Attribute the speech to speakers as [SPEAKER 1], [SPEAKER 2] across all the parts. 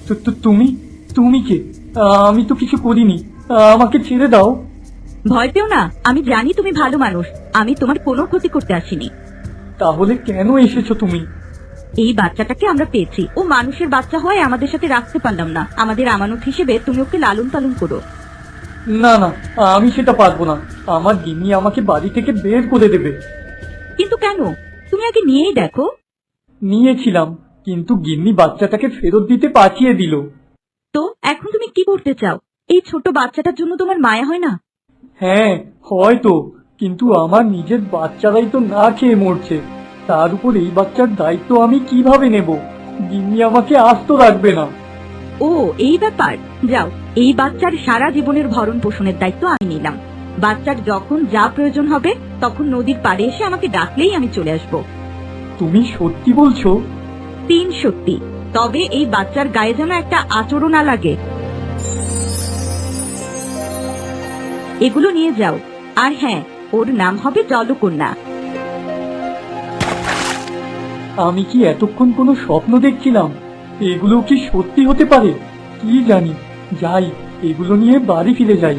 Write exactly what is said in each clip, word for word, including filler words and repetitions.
[SPEAKER 1] তু- তু- তুমি তুমি কে? আমি তো কিছু করিনি, আমাকে ছেড়ে দাও।
[SPEAKER 2] ভয় পেও না, আমি জানি তুমি ভালো মানুষ। আমি তোমার কোনো ক্ষতি করতে আসিনি।
[SPEAKER 1] তাহলে কেন এসেছো তুমি?
[SPEAKER 2] এই বাচ্চাটাকে আমরা পেয়েছি, ও মানুষের বাচ্চা হয় আমাদের সাথে রাখতে পারলাম না। আমাদের আমানত হিসেবে তুমি ওকে লালন পালন করো।
[SPEAKER 1] না না, আমি সেটা পারবো না। আমার গিন্নি আমাকে বাড়ি থেকে বের করে দেবে।
[SPEAKER 2] কিন্তু কেন? তুমি আগে নিয়েই দেখো।
[SPEAKER 1] নিয়েছিলাম, কিন্তু গিন্নি বাচ্চাটাকে ফেরত দিতে পাঠিয়ে দিল।
[SPEAKER 2] তো এখন তুমি কি করতে চাও? এই ছোট বাচ্চাটার জন্য তোমার মায়া হয় না?
[SPEAKER 1] হ্যাঁ হয়তো, কিন্তু আমার নিজের বাচ্চারাই তো না খেয়ে মরছে। তার উপর এই বাচ্চার দায়িত্ব আমি কিভাবে নেব? গিন্নি আমাকে আস্ত রাখবে না।
[SPEAKER 2] ও এই ব্যাপার। যাও, এই বাচ্চার সারা জীবনের ভরণ পোষণের দায়িত্ব আমি নিলাম। বাচ্চার যখন যা প্রয়োজন হবে তখন নদীর পাড়ে এসে আমাকে ডাকলেই আমি চলে আসবো।
[SPEAKER 1] তুমি সত্যি বলছো?
[SPEAKER 2] তিন সত্যি। তবে এই বাচ্চার গায়ে যেন একটা আচরণ না লাগে। এগুলো নিয়ে যাও। আর হ্যাঁ, ওর নাম হবে জলকন্যা।
[SPEAKER 1] আমি কি এতক্ষণ কোনো স্বপ্ন দেখছিলাম? এগুলো কি সত্যি হতে পারে? কি জানি। যাই, এগুলো নিয়ে বাড়ি ফিরে যাই।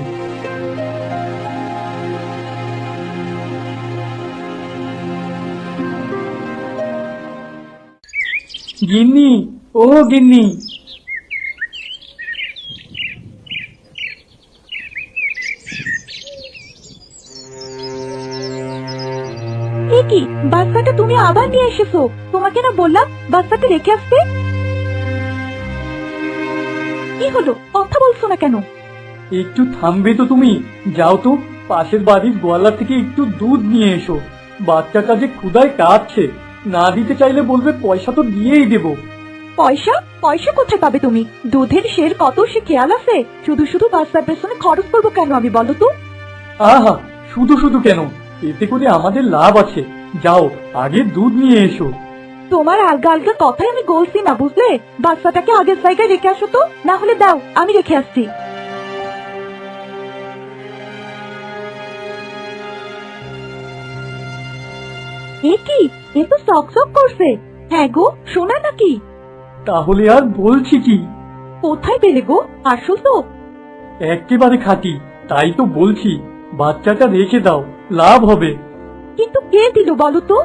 [SPEAKER 1] গিন্নি, ও গিন্নি।
[SPEAKER 2] এ কি, বাচ্চাটা তুমি আবার নিয়ে এসেছো? তোমাকে না বললাম বাচ্চাটা রেখে আসতে? কি হলো, কথা বলছো না কেন?
[SPEAKER 1] একটু থামবে তো তুমি? যাও তো, পাশের বাড়ির গোয়ালা থেকে একটু দুধ নিয়ে এসো। বাচ্চাটা যে ক্ষুধায় কাঁদছে, না দিতে চাইলে বলবে পয়সা তো দিয়েই দেবো।
[SPEAKER 2] পয়সা? পয়সা কোথায় পাবে তুমি? দুধের শের কত সে খেয়াল আছে? শুধু শুধু বাচ্চার পেছনে খরচ করবো কেন আমি, বলো তো?
[SPEAKER 1] আহা, শুধু শুধু কেন? এতে করে আমাদের লাভ আছে। যাও, আগে দুধ নিয়ে এসো।
[SPEAKER 2] তোমার আলগা আলগা কথাই আমি বলছি না, বুঝলে? বাচ্চাটাকে আগের জায়গায় রেখে আসো তো, না হলে দাও, আমি রেখে আসছি। এ কি, এ তো চকচক করছে। হ্যাঁ গো, সোনা নাকি?
[SPEAKER 1] তাহলে আর বলছি কি?
[SPEAKER 2] কোথায় পেলে গো? আসল তো?
[SPEAKER 1] একেবারে খাঁটি, তাই তো বলছি। বাচ্চাটা রেখে দাও, লাভ হবে।
[SPEAKER 2] কিন্তু কে দিল বলো তো?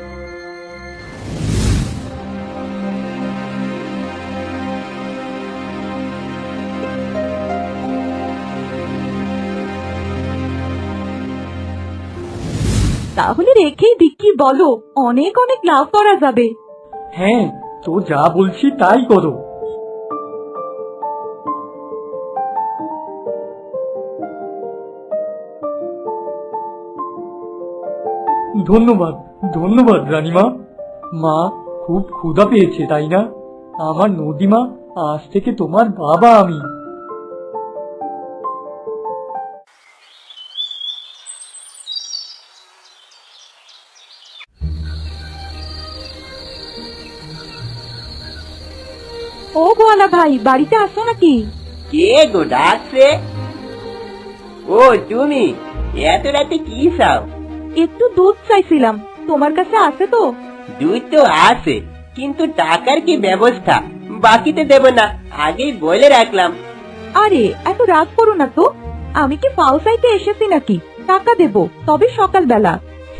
[SPEAKER 2] তাহলে রেখেই বিক্রি, বলো, অনেক অনেক লাভ করা যাবে।
[SPEAKER 1] হ্যাঁ, তো যা বলছি তাই করো। ধন্যবাদ, ধন্যবাদ রানীমা। মা, খুব ক্ষুধা পেয়েছে তাই না? আমার নদীমা, আজ থেকে তোমার বাবা আমি।
[SPEAKER 2] ও গোয়ালা ভাই, বাড়িতে আসো নাকি?
[SPEAKER 3] কে গো ডাকছে? ও তুমি, এত রাতে কি চাও?
[SPEAKER 2] একটু দুধ চাইছিলাম, তোমার কাছে আছে তো?
[SPEAKER 3] দুধ তো আছে, কিন্তু টাকার কি ব্যবস্থা? বাকিতে দেব না, আগেই বলে রাখলাম।
[SPEAKER 2] আরে এত রাগ করো না তো। আমি কি ফাও চাইতে এসেছি নাকি? টাকা দেব, তবে সকালবেলা।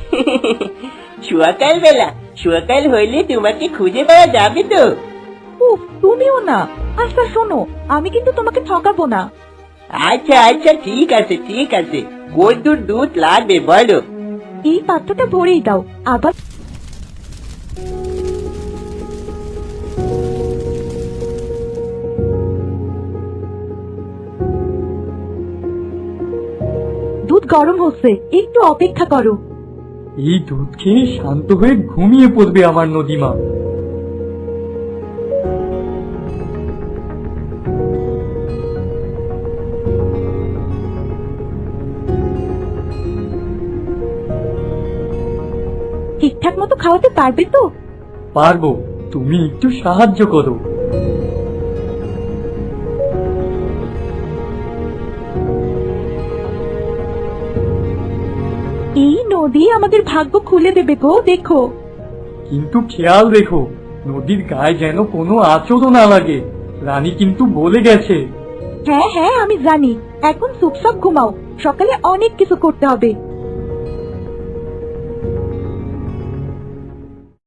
[SPEAKER 3] সকাল বেলা? সকাল হইলে তোমাকে খুঁজে পাওয়া যাবে তো?
[SPEAKER 2] উফ, তুমিও না। আচ্ছা শোনো, আমি কিন্তু তোমাকে ঠকাবো না।
[SPEAKER 3] আচ্ছা আচ্ছা, ঠিক আছে ঠিক আছে। কতদূর দুধ লাগবে বলো?
[SPEAKER 2] এই পাত্রটা ভরেই দাও, আবার দুধ গরম হচ্ছে, একটু অপেক্ষা করো।
[SPEAKER 1] এই দুধ খেয়ে শান্ত হয়ে ঘুমিয়ে পড়বে আমার নদীমা।
[SPEAKER 2] ঠিকঠাক মতো খাওয়াতে পারবে তো?
[SPEAKER 1] পারবো, তুমি একটু সাহায্য করো।
[SPEAKER 2] এই নদী আমাদের ভাগ্য খুলে দেবে গো, দেখো।
[SPEAKER 1] কিন্তু খেয়াল রেখো, নদীর গায়ে যেন কোনো আচরণ না লাগে। রানী কিন্তু বলে গেছে।
[SPEAKER 2] হ্যাঁ হ্যাঁ আমি জানি, এখন চুপচাপ ঘুমাও, সকালে অনেক কিছু করতে হবে।